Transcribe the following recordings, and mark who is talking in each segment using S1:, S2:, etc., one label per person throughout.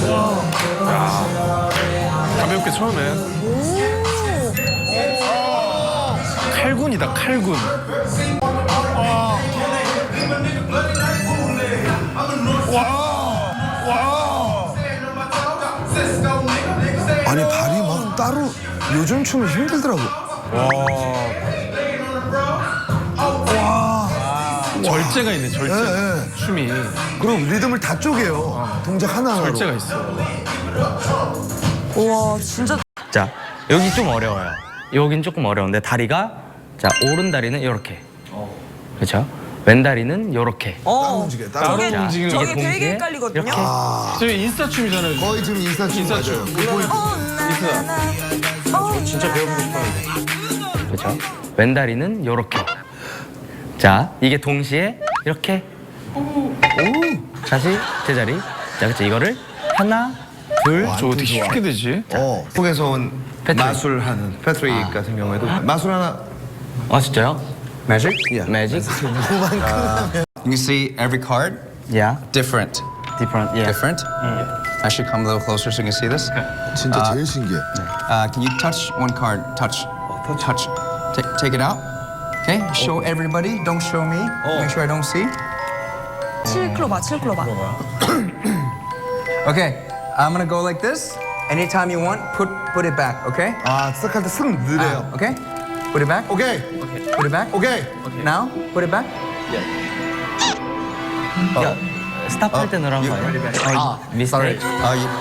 S1: 가볍게 처음에. 칼군이다, 칼군.
S2: 아니 발이 막 따로 요즘 춤은 힘들더라고.
S1: 절제가 있네, 절제.
S2: 네.
S1: 춤이.
S2: 그리고 리듬을 다 쪼개요. 동작 하나하나로.
S1: 절제가 있어.
S3: 와 진짜
S4: 자, 여기 좀 어려워요. 여긴 조금 어려운데 다리가 자 오른 다리는 이렇게, 그렇죠? 왼 다리는 이렇게.
S2: 따로 움직여. 따로.
S3: 저게
S1: 따로 움직이는
S3: 저게
S4: 거.
S3: 되게
S4: 동시에
S3: 헷갈리거든요.
S4: 이렇게.
S1: 저희 인스타 춤이잖아요.
S2: 거의 지금 인사춤
S1: 인사춤.
S2: 맞아요.
S4: 진짜 배워보고 싶었는데. 그렇죠? 왼 다리는 이렇게. 자, 이게 동시에 이렇게. 다시 제자리. 자, 그렇죠? 이거를 하나, 둘.
S1: 저 어떻게 쉽게 되지?
S2: 한국에서 온
S4: 패트릭.
S2: 마술하는 패트릭 같은 경우에도 마술 하나.
S4: 아 진짜요?
S5: Magic?
S4: Magic?
S5: You can see every card
S4: Yeah.
S5: different.
S4: Different. Yeah.
S5: Different? I should come a little closer so you can see this.
S2: 진짜 제일 신기해.
S5: Can you touch one card? Touch. Touch. Take it out. Okay? Show everybody. Don't show me. Make sure I don't see.
S3: 7클로바 7클로바.
S5: Okay. I'm gonna go like this. Anytime you want, put it back. Okay?
S2: 아 시작할 때 승 느려요.
S5: Okay? Put it back.
S2: 오케이.
S5: Put it back.
S2: 오케이.
S5: Now, put it back.
S4: 야, 스탑할 때 넣으란 거예요?
S5: Sorry.
S4: 미스테이크.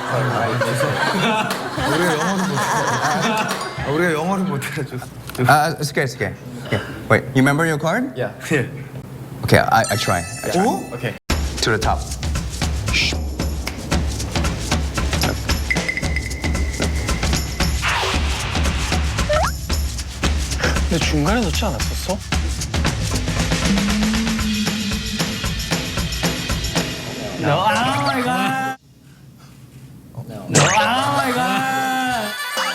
S2: 우리가 영어를 못해가지고.
S5: It's okay. It's okay. Okay. Wait. You remember your card?
S1: Yeah.
S5: Okay. I try.
S2: 오?
S1: 오케이.
S5: To the top.
S1: 근데 중간에 넣지 않았었어?
S4: No, oh my god. No, oh my god.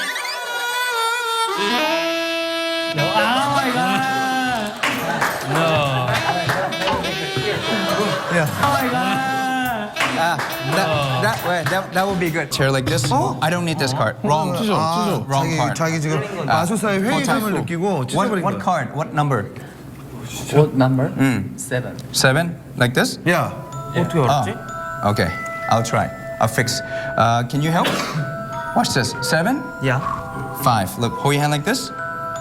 S4: No, oh my god. No.
S5: Yeah.
S4: Oh my god.
S5: That would be good. Chair like this. I don't need this card. Wrong.
S2: 아,
S5: Wrong card.
S2: 자기 지금 마술사의 회의감을 느끼고 찢어버린
S5: What
S2: 거야.
S5: card? What number?
S4: What number? 7.
S5: 7? Like this?
S2: 야,
S4: 어떻게 알았지?
S5: Okay. I'll try. I'll fix. Can you help? Watch this. 7?
S4: Yeah.
S5: 5. Look, hold your hand like this.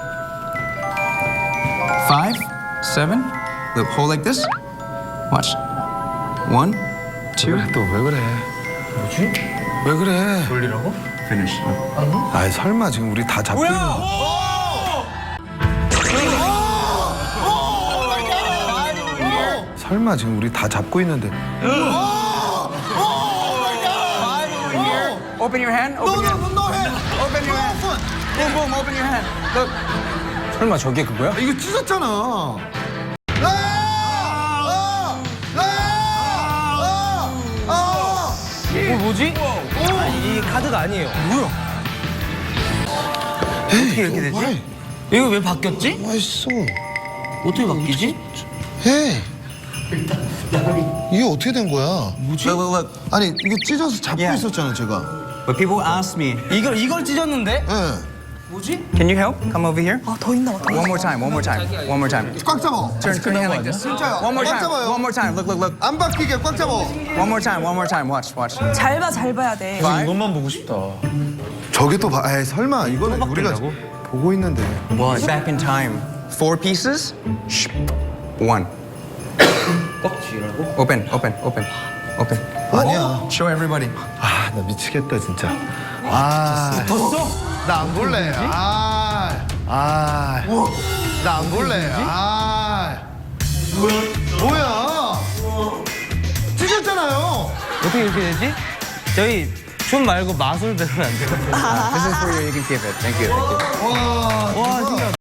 S5: 5, 7. Look, hold like this. Watch. 1, 2.
S2: 또 왜 그래?
S4: 뭐지?
S2: 왜 그래?
S4: 돌리라고?
S5: Finish.
S2: 아이 설마 지금 우리 다 잡고 있는 거. 설마 지금 우리 다 잡고 있는데.
S5: Open your hand. Open your hand. Open your hand. Boom, boom. Open your hand. Look.
S4: 설마 저게 그거야?
S2: 이거 찢었잖아.
S4: 뭐지? 아니, 이 카드가 아니에요. 뭐야? 어떻게 이렇게 되지? 이거 왜 바뀌었지?
S2: 맛있어.
S4: 어떻게 바뀌지?
S2: 해. 이게 어떻게 된 거야?
S5: Look, look, look.
S2: 아니 이거 찢어서 잡고
S5: 야.
S2: 있었잖아 제가.
S5: But people ask me,
S4: 이걸 찢었는데?
S2: 예.
S4: 뭐지?
S5: can you help? Come over here.
S3: 아더 있나 봐.
S5: One more time. One more time. One more time.
S2: 꽉 잡아.
S5: Turn your hand like this.
S2: 진짜요?
S5: One more
S2: 꽉
S5: time.
S2: 잡아요.
S5: One more time. Look, look, look.
S2: 안 바뀌게 꽉 잡아.
S5: One more time. One more time. Watch, watch.
S3: 잘 봐야 돼.
S1: 이것만 보고 싶다.
S2: 저게 또 봐. 에이 설마 이거는 우리가 보고 있는데.
S4: 뭐
S5: Back in time. 4 pieces. 1.
S4: 꽉 쥐라고?
S5: Open, open, open, open.
S2: 아니야.
S5: Show everybody.
S2: 아 나 미치겠다 진짜. 아.
S4: 졌어?
S2: 나 안 볼래. 아. 아. 나 안 볼래. 아. 뭐야? 찢었잖아요.
S4: 어떻게 이렇게 되지? 저희 춤 말고 마술 배우면 안 돼요?
S5: This is for you. You can keep it. Thank you. Thank you.
S2: 와.
S4: 와, 신기하다.